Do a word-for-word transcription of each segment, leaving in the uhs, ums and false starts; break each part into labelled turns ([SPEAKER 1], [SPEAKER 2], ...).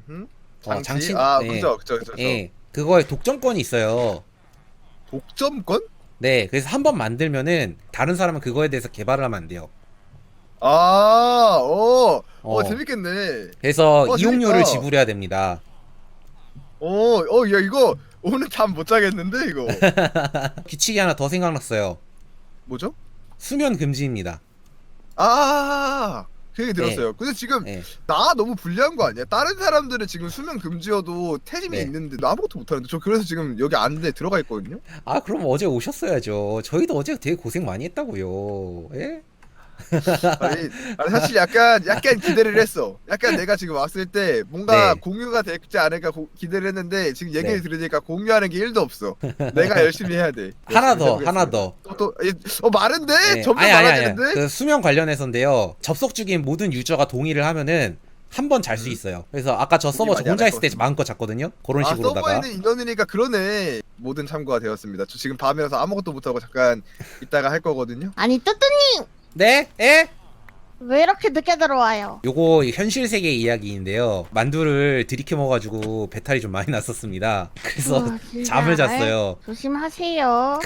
[SPEAKER 1] 음?
[SPEAKER 2] 어,
[SPEAKER 1] 장치?
[SPEAKER 2] 장치,
[SPEAKER 1] 아,
[SPEAKER 2] 네,
[SPEAKER 1] 그죠, 그죠, 그죠, 그죠.
[SPEAKER 2] 예, 그거에 독점권이 있어요.
[SPEAKER 1] 독점권?
[SPEAKER 2] 네, 그래서 한 번 만들면은 다른 사람은 그거에 대해서 개발을 하면 안 돼요.
[SPEAKER 1] 아, 어, 어,
[SPEAKER 2] 어,
[SPEAKER 1] 재밌겠네.
[SPEAKER 2] 그래서
[SPEAKER 1] 어, 재밌다.
[SPEAKER 2] 이용료를
[SPEAKER 1] 어,
[SPEAKER 2] 지불해야 됩니다.
[SPEAKER 1] 어, 야, 이거 오늘 잠 못 자겠는데, 이거.
[SPEAKER 2] 규칙이 하나 더 생각났어요.
[SPEAKER 1] 뭐죠?
[SPEAKER 2] 수면 금지입니다.
[SPEAKER 1] 아, 그 얘기
[SPEAKER 2] 네,
[SPEAKER 1] 들었어요. 근데 지금
[SPEAKER 2] 네,
[SPEAKER 1] 나 너무 불리한 거 아니야? 다른 사람들은 지금 수면 금지여도 태짐이
[SPEAKER 2] 네.
[SPEAKER 1] 있는데 나 아무것도 못하는데 저 그래서 지금 여기 안에 들어가 있거든요.
[SPEAKER 2] 아, 그럼 어제 오셨어야죠. 저희도 어제 되게 고생 많이 했다고요. 예?
[SPEAKER 1] 아니, 아니 사실 약간 약간 기대를 했어. 약간 내가 지금 왔을 때 뭔가
[SPEAKER 2] 네,
[SPEAKER 1] 공유가 되지 않을까 고- 기대를 했는데 지금 얘기를
[SPEAKER 2] 네.
[SPEAKER 1] 들으니까 공유하는 게 일도 없어. 내가 열심히 해야 돼.
[SPEAKER 2] 하나
[SPEAKER 1] 열심히
[SPEAKER 2] 더, 하나
[SPEAKER 1] 해보겠습니다.
[SPEAKER 2] 더.
[SPEAKER 1] 또, 또, 이- 어, 많은데?
[SPEAKER 2] 예,
[SPEAKER 1] 점점
[SPEAKER 2] 아니, 아니, 아니.
[SPEAKER 1] 많아지는데?
[SPEAKER 2] 그 수면 관련해서인데요. 접속 중인 모든 유저가 동의를 하면은 한 번 잘 수
[SPEAKER 1] 음,
[SPEAKER 2] 있어요. 그래서 아까 저
[SPEAKER 1] 동의
[SPEAKER 2] 서버 저
[SPEAKER 1] 많이 안
[SPEAKER 2] 혼자
[SPEAKER 1] 할
[SPEAKER 2] 있을
[SPEAKER 1] 것
[SPEAKER 2] 때
[SPEAKER 1] 같습니다.
[SPEAKER 2] 마음껏 잤거든요. 그런
[SPEAKER 1] 아, 서버에
[SPEAKER 2] 식으로다가.
[SPEAKER 1] 있는 인원이니까 그러네. 모든 참고가 되었습니다. 저 지금 밤이라서 아무것도 못하고 잠깐 이따가 할 거거든요.
[SPEAKER 3] 아니, 뚜뚜님!
[SPEAKER 2] 네? 에?
[SPEAKER 3] 왜 이렇게 늦게 들어와요?
[SPEAKER 2] 요거 현실 세계 이야기인데요. 만두를 들이켜 먹어가지고 배탈이 좀 많이 났었습니다. 그래서
[SPEAKER 3] 어, 진짜.
[SPEAKER 2] 잠을 잤어요.
[SPEAKER 3] 아이, 조심하세요.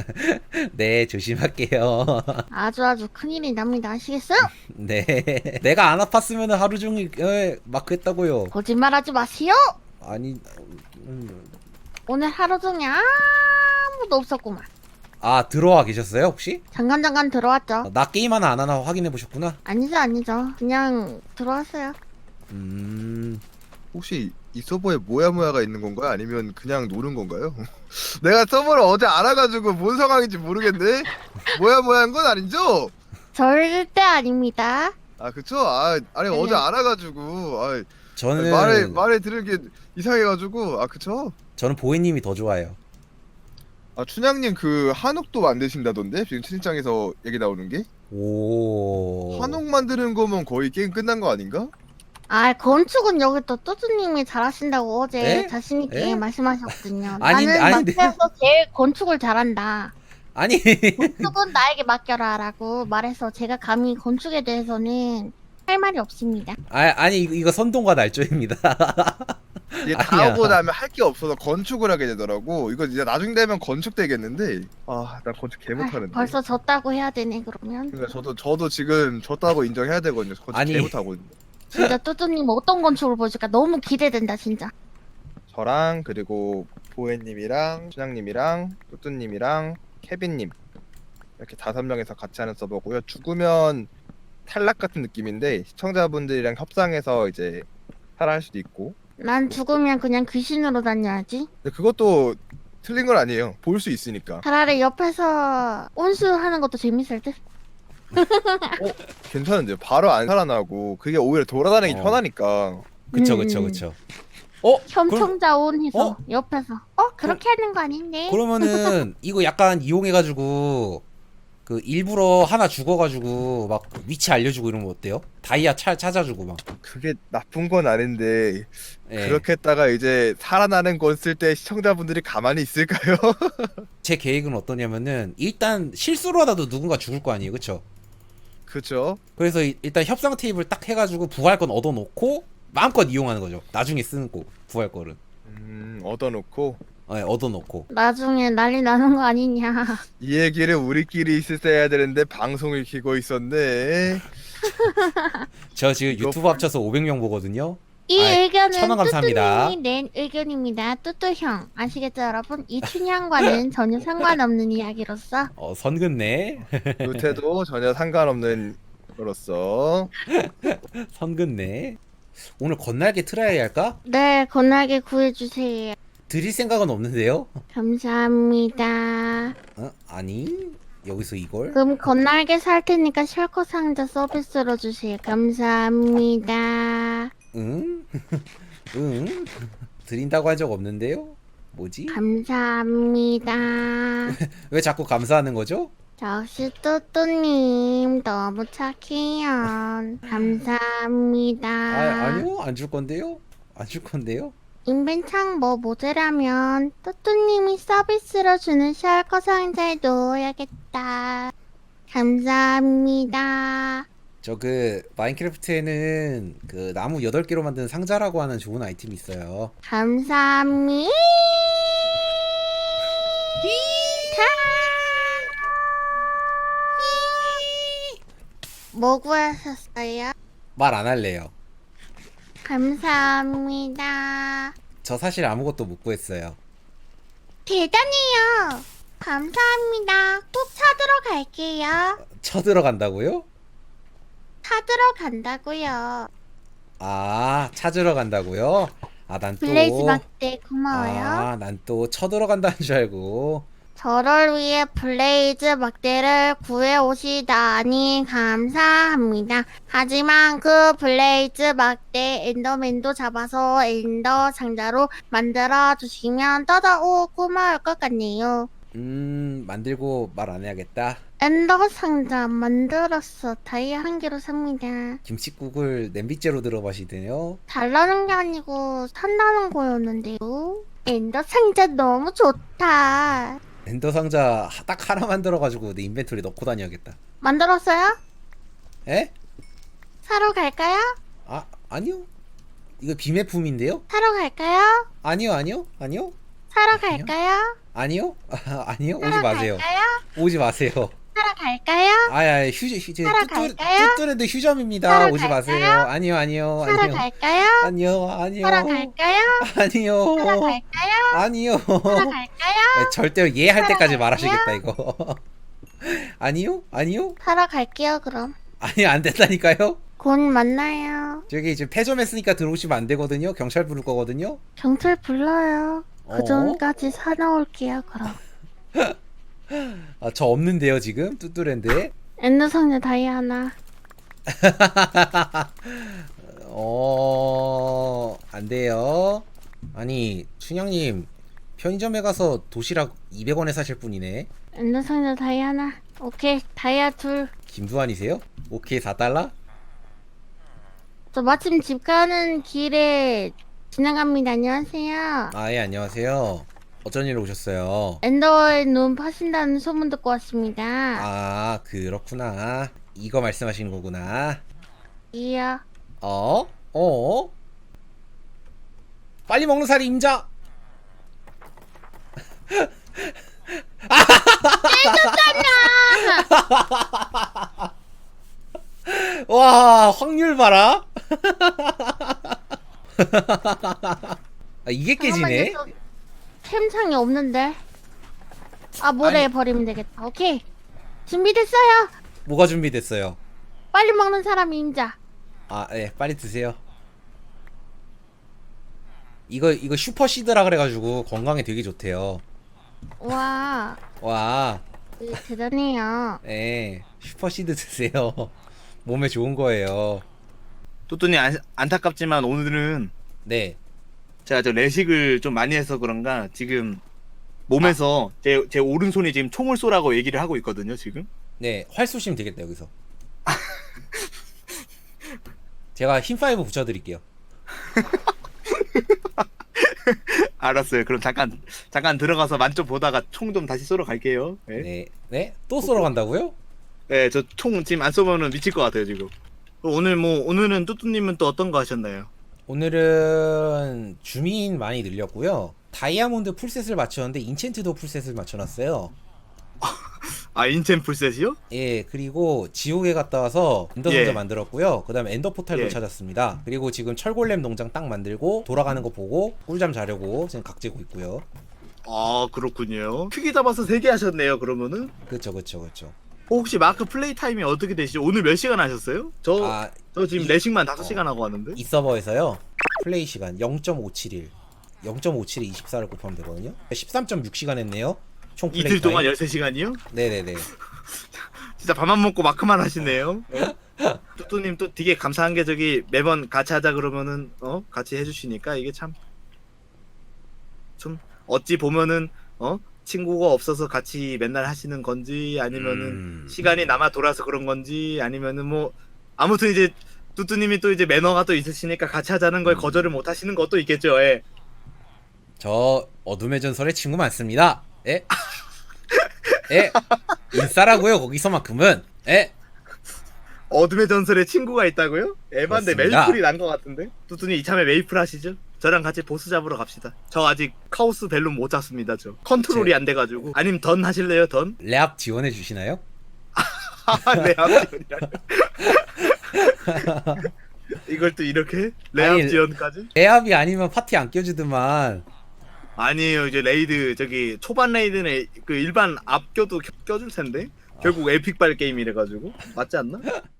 [SPEAKER 2] 네, 조심할게요.
[SPEAKER 3] 아주 아주 큰일이 납니다. 아시겠어요?
[SPEAKER 2] 네. 내가 안 아팠으면 하루 종일 에, 마크 했다고요.
[SPEAKER 3] 거짓말하지 마세요.
[SPEAKER 2] 아니, 음,
[SPEAKER 3] 오늘 하루 종일 아무도 없었구만.
[SPEAKER 2] 아, 들어와 계셨어요, 혹시?
[SPEAKER 3] 잠깐 잠깐 들어왔죠.
[SPEAKER 2] 어, 나 게임 하나 안 하나 확인해 보셨구나.
[SPEAKER 3] 아니죠, 아니죠. 그냥 들어왔어요.
[SPEAKER 2] 음,
[SPEAKER 1] 혹시 이 서버에 모야모야가 있는 건가요? 아니면 그냥 노는 건가요? 내가 서버를 어제 알아가지고 뭔 상황인지 모르겠네. 모야모야한 건 아니죠?
[SPEAKER 3] 절대 아닙니다.
[SPEAKER 1] 아 그쵸? 아 아니 어제
[SPEAKER 3] 네.
[SPEAKER 1] 알아가지고 아
[SPEAKER 2] 저는
[SPEAKER 1] 말을 말을 들은 게 이상해가지고 아 그쵸?
[SPEAKER 2] 저는 보혜님이 더 좋아요.
[SPEAKER 1] 아 춘향님 그 한옥도 만드신다던데 지금 채팅창에서 얘기 나오는 게
[SPEAKER 2] 오,
[SPEAKER 1] 한옥 만드는 거면 거의 게임 끝난 거 아닌가?
[SPEAKER 3] 아, 건축은 여기 또 뚜뚜님이 잘하신다고 어제
[SPEAKER 2] 에?
[SPEAKER 3] 자신있게
[SPEAKER 2] 에?
[SPEAKER 3] 말씀하셨거든요.
[SPEAKER 2] 아닌데,
[SPEAKER 3] 나는
[SPEAKER 2] 아닌데.
[SPEAKER 3] 마트에서 제일 건축을 잘한다.
[SPEAKER 2] 아니,
[SPEAKER 3] 건축은 나에게 맡겨라라고 말해서 제가 감히 건축에 대해서는 할 말이 없습니다.
[SPEAKER 2] 아, 아니 이거, 이거 선동과 날조입니다.
[SPEAKER 1] 이게 다
[SPEAKER 2] 아니야.
[SPEAKER 1] 하고 나면 할 게 없어서 건축을 하게 되더라고. 이거 이제 나중 되면 건축 되겠는데. 아, 나 건축 개
[SPEAKER 3] 아,
[SPEAKER 1] 못하는데.
[SPEAKER 3] 벌써 졌다고 해야 되네 그러면.
[SPEAKER 1] 그러니까 저도 저도 지금 졌다고 인정해야 되거든요. 건축
[SPEAKER 2] 아니.
[SPEAKER 1] 개 못하거든요.
[SPEAKER 3] 진짜 뚜뚜님 어떤 건축을 보여줄까 너무 기대된다 진짜.
[SPEAKER 1] 저랑 그리고 보혜님이랑 춘향님이랑 뚜뚜님이랑 케빈님 이렇게 다섯 명이서 같이 하는 서버고요. 죽으면 탈락 같은 느낌인데 시청자분들이랑 협상해서 이제 살아할 수도 있고.
[SPEAKER 3] 난 죽으면 그냥 귀신으로 다녀야지.
[SPEAKER 1] 근데 그것도 틀린 건 아니에요. 볼 수 있으니까.
[SPEAKER 3] 차라리 옆에서 온수하는 것도 재밌을 듯.
[SPEAKER 1] 어, 괜찮은데요. 바로 안 살아나고 그게 오히려 돌아다니기
[SPEAKER 2] 어.
[SPEAKER 1] 편하니까.
[SPEAKER 2] 그쵸,
[SPEAKER 3] 음,
[SPEAKER 2] 그쵸,
[SPEAKER 3] 음.
[SPEAKER 2] 그쵸. 어? 그럼,
[SPEAKER 3] 현청자 온해서
[SPEAKER 2] 어?
[SPEAKER 3] 옆에서 어 그렇게 하는 거 아닌데.
[SPEAKER 2] 그러면은 이거 약간 이용해가지고 그 일부러 하나 죽어가지고 막 위치 알려주고 이런 거 어때요? 다이아 차, 찾아주고 막.
[SPEAKER 1] 그게 나쁜 건 아닌데
[SPEAKER 2] 예.
[SPEAKER 1] 그렇게 했다가 이제 살아나는 건 쓸 때 시청자분들이 가만히 있을까요?
[SPEAKER 2] 제 계획은 어떠냐면은 일단 실수로 하다도 누군가 죽을 거 아니에요, 그쵸?
[SPEAKER 1] 그쵸?
[SPEAKER 2] 그래서 이- 일단 협상 테이블 딱 해가지고 부활권 얻어놓고 마음껏 이용하는 거죠. 나중에 쓰는 거 부활권은.
[SPEAKER 1] 음, 얻어놓고
[SPEAKER 2] 예, 얻어놓고.
[SPEAKER 3] 나중에 난리 나는 거 아니냐.
[SPEAKER 1] 이 얘기를 우리끼리 있을 때 해야 되는데 방송을 키고 있었네.
[SPEAKER 2] 저 지금
[SPEAKER 1] 이거
[SPEAKER 2] 유튜브 합쳐서 오백 명 보거든요.
[SPEAKER 3] 이
[SPEAKER 2] 아이,
[SPEAKER 3] 의견은
[SPEAKER 2] 천 원 감사합니다.
[SPEAKER 3] 뚜뚜님이 낸 의견입니다. 뚜뚜형 아시겠죠 여러분? 이 춘향과는 전혀 상관없는 이야기로서
[SPEAKER 2] 어, 선 긋네.
[SPEAKER 1] 요태도 전혀 상관없는 거로서
[SPEAKER 2] 선 긋네. 오늘 건날개 틀어야 할까?
[SPEAKER 3] 네 건날개 구해주세요.
[SPEAKER 2] 드릴 생각은 없는데요?
[SPEAKER 3] 감사합니다.
[SPEAKER 2] 어? 아니 여기서 이걸?
[SPEAKER 3] 그럼 건날개 살 테니까 셜커 상자 서비스로 주세요. 감사합니다.
[SPEAKER 2] 응? 응? 드린다고 한 적 없는데요? 뭐지?
[SPEAKER 3] 감사합니다.
[SPEAKER 2] 왜 자꾸 감사하는 거죠?
[SPEAKER 3] 역시 뚜뚜님 너무 착해요. 감사합니다.
[SPEAKER 2] 아, 아니요 안 줄 건데요? 안 줄 건데요?
[SPEAKER 3] 인벤창 뭐 모자라면 뚜뚜님이 서비스로 주는 셜커 상자에 넣어야겠다. 감사합니다.
[SPEAKER 2] 저 그 마인크래프트에는 그 나무 여덟 개로 만든 상자라고 하는 좋은 아이템이 있어요.
[SPEAKER 3] 감사합니다. 뭐 구하셨어요?
[SPEAKER 2] 말 안 할래요.
[SPEAKER 3] 감사합니다.
[SPEAKER 2] 저 사실 아무것도 못 구했어요.
[SPEAKER 3] 대단해요. 감사합니다. 꼭 찾으러 갈게요.
[SPEAKER 2] 쳐들어간다고요?
[SPEAKER 3] 찾으러 간다고요.
[SPEAKER 2] 아, 찾으러 간다고요? 아, 난 또
[SPEAKER 3] 블레이즈 막대 고마워요.
[SPEAKER 2] 아, 난 또 쳐들어간다는 줄 알고.
[SPEAKER 3] 저를 위해 블레이즈 막대를 구해오시다니 감사합니다. 하지만 그 블레이즈 막대 엔더맨도 잡아서 엔더 상자로 만들어 주시면 더더욱 고마울 것 같네요.
[SPEAKER 2] 음, 만들고 말 안 해야겠다.
[SPEAKER 3] 엔더 상자 만들었어. 다이아 한 개로 삽니다.
[SPEAKER 2] 김치국을 냄비째로 들어 마시네요.
[SPEAKER 3] 달라는 게 아니고 산다는 거였는데요. 엔더 상자 너무 좋다.
[SPEAKER 2] 엔더 상자 딱 하나 만들어가지고 내 인벤토리 넣고 다녀야겠다.
[SPEAKER 3] 만들었어요?
[SPEAKER 2] 에?
[SPEAKER 3] 사러 갈까요?
[SPEAKER 2] 아, 아니요. 이거 비매품인데요?
[SPEAKER 3] 사러 갈까요?
[SPEAKER 2] 아니요, 아니요, 아니요,
[SPEAKER 3] 사러
[SPEAKER 2] 아니요.
[SPEAKER 3] 갈까요?
[SPEAKER 2] 아니요, 아니요. 오지
[SPEAKER 3] 사러
[SPEAKER 2] 마세요.
[SPEAKER 3] 갈까요?
[SPEAKER 2] 오지 마세요.
[SPEAKER 3] 사러 갈까요?
[SPEAKER 2] 아야, 휴즈, 휴즈,
[SPEAKER 3] 사러
[SPEAKER 2] 뚜뚜,
[SPEAKER 3] 갈까요?
[SPEAKER 2] 뚜뚜랜드 휴점입니다.
[SPEAKER 3] 사러
[SPEAKER 2] 오지
[SPEAKER 3] 갈까요?
[SPEAKER 2] 마세요. 아니요, 아니요,
[SPEAKER 3] 사러
[SPEAKER 2] 아니요,
[SPEAKER 3] 갈까요?
[SPEAKER 2] 아니요, 아니요,
[SPEAKER 3] 사러 갈까요?
[SPEAKER 2] 아니요,
[SPEAKER 3] 사러 갈까요?
[SPEAKER 2] 아니요.
[SPEAKER 3] 사러 갈까요?
[SPEAKER 2] 네, 절대로 예 할
[SPEAKER 3] 사러
[SPEAKER 2] 때까지
[SPEAKER 3] 갈까요?
[SPEAKER 2] 말하시겠다 이거. 아니요, 아니요,
[SPEAKER 3] 사러 갈게요 그럼.
[SPEAKER 2] 아니 안 된다니까요.
[SPEAKER 3] 곧 만나요.
[SPEAKER 2] 저기 지금 폐점했으니까 들어오시면 안 되거든요. 경찰 부를 거거든요.
[SPEAKER 3] 경찰 불러요.
[SPEAKER 2] 어?
[SPEAKER 3] 그 전까지 사나올게요 그럼.
[SPEAKER 2] 아, 저 없는데요 지금 뚜뚜랜드에.
[SPEAKER 3] 엔더 상자 다이아 하나.
[SPEAKER 2] 어, 안 돼요. 아니 춘향님 편의점에 가서 도시락 이백 원에 사실 분이네.
[SPEAKER 3] 엔더 상자 다이아 하나. 오케이 다이아 둘.
[SPEAKER 2] 김두한이세요? 오케이 사 달러?
[SPEAKER 3] 저 마침 집 가는 길에 지나갑니다. 안녕하세요.
[SPEAKER 2] 아, 예, 안녕하세요. 어쩐 일로 오셨어요?
[SPEAKER 3] 엔더의 눈 파신다는 소문 듣고 왔습니다.
[SPEAKER 2] 아, 그렇구나. 이거 말씀하시는 거구나.
[SPEAKER 3] 이요.
[SPEAKER 2] 어? 어? 빨리 먹는 살이 임자! 와, 확률 봐라. 아, 이게 깨지네.
[SPEAKER 3] 잠깐만요, 저 캠창이 없는데. 아 모래 버리면 되겠다. 오케이 준비됐어요.
[SPEAKER 2] 뭐가 준비됐어요?
[SPEAKER 3] 빨리 먹는 사람 임자.
[SPEAKER 2] 아, 예, 빨리 드세요. 이거 이거 슈퍼 시드라 그래가지고 건강에 되게 좋대요.
[SPEAKER 3] 와
[SPEAKER 2] 와,
[SPEAKER 3] 되게 대단해요.
[SPEAKER 2] 예, 슈퍼 시드 드세요. 몸에 좋은 거예요.
[SPEAKER 4] 또또님 안, 안타깝지만 오늘은
[SPEAKER 2] 네.
[SPEAKER 4] 제가 저 레식을 좀 많이 해서 그런가 지금 몸에서 제, 제 오른손이 지금 총을 쏘라고 얘기를 하고 있거든요 지금.
[SPEAKER 2] 네, 활 쏘시면 되겠다 여기서. 제가 힘 파이브 붙여드릴게요.
[SPEAKER 4] 알았어요. 그럼 잠깐 잠깐 들어가서 만점 보다가 총 좀 다시 쏘러 갈게요. 네,
[SPEAKER 2] 네, 네, 또 쏘러 간다고요?
[SPEAKER 4] 네 저 총 지금 안 쏘면은 미칠 것 같아요 지금. 오늘 뭐 오늘은 뚜뚜님은 또 어떤 거 하셨나요?
[SPEAKER 2] 오늘은 주민 많이 늘렸고요. 다이아몬드 풀셋을 맞췄는데 인챈트도 풀셋을 맞춰놨어요.
[SPEAKER 4] 아 인챈 풀셋이요?
[SPEAKER 2] 예, 그리고 지옥에 갔다 와서 엔더
[SPEAKER 4] 예.
[SPEAKER 2] 상자 만들었고요. 그 다음에 엔더 포탈도
[SPEAKER 4] 예.
[SPEAKER 2] 찾았습니다. 그리고 지금 철골렘 농장 딱 만들고 돌아가는 거 보고 꿀잠 자려고 지금 각재고 있고요.
[SPEAKER 4] 아 그렇군요. 크게 잡아서 세 개 하셨네요 그러면은.
[SPEAKER 2] 그쵸, 그쵸, 그쵸.
[SPEAKER 4] 어, 혹시 마크 플레이 타임이 어떻게 되시죠? 오늘 몇 시간 하셨어요? 저,
[SPEAKER 2] 아,
[SPEAKER 4] 저 지금
[SPEAKER 2] 이-
[SPEAKER 4] 레식만 다섯
[SPEAKER 2] 어.
[SPEAKER 4] 시간 하고 왔는데.
[SPEAKER 2] 이 서버에서요. 플레이 시간 영 점 오칠일. 영 점 오칠에 이십사를 곱하면 되거든요. 십삼 점 육 시간 했네요. 총 플레이
[SPEAKER 4] 이틀 동안
[SPEAKER 2] 타임.
[SPEAKER 4] 열세 시간이요?
[SPEAKER 2] 네네네.
[SPEAKER 4] 진짜 밥만 먹고 마크만 하시네요. 뚜뚜님 또 되게 감사한 게 저기 매번 같이 하자 그러면은 어 같이 해주시니까 이게 참 좀 어찌 보면은 어 친구가 없어서 같이 맨날 하시는 건지 아니면은
[SPEAKER 2] 음.
[SPEAKER 4] 시간이 남아 돌아서 그런 건지 아니면은 뭐 아무튼 이제 뚜뚜님이 또 이제 매너가 또 있으시니까 같이 하자는 걸
[SPEAKER 2] 음.
[SPEAKER 4] 거절을 못 하시는 것도 있겠죠. 예.
[SPEAKER 2] 저 어둠의 전설에 친구 많습니다. 예? 예? 인싸라고요 거기서만큼은. 예?
[SPEAKER 4] 어둠의 전설에 친구가 있다고요? 에반데
[SPEAKER 2] 그렇습니다.
[SPEAKER 4] 메이플이 난 것 같은데? 뚜뚜님 이참에 메이플 하시죠? 저랑 같이 보스 잡으러 갑시다. 저 아직 카오스 벨룸 못 잡습니다. 저 컨트롤이
[SPEAKER 2] 제-
[SPEAKER 4] 안 돼가지고. 아님 던 하실래요? 던?
[SPEAKER 2] 레압 지원해 주시나요?
[SPEAKER 4] 네, 앞지원이라. 이걸 또 이렇게 레압
[SPEAKER 2] 아니,
[SPEAKER 4] 지원까지?
[SPEAKER 2] 레압이 아니면 파티 안 껴주더만.
[SPEAKER 4] 아니에요. 이제 레이드 저기 초반 레이드는 그 일반 앞껴도 껴- 껴줄 텐데 결국 에픽발 게임이래 가지고 맞지 않나?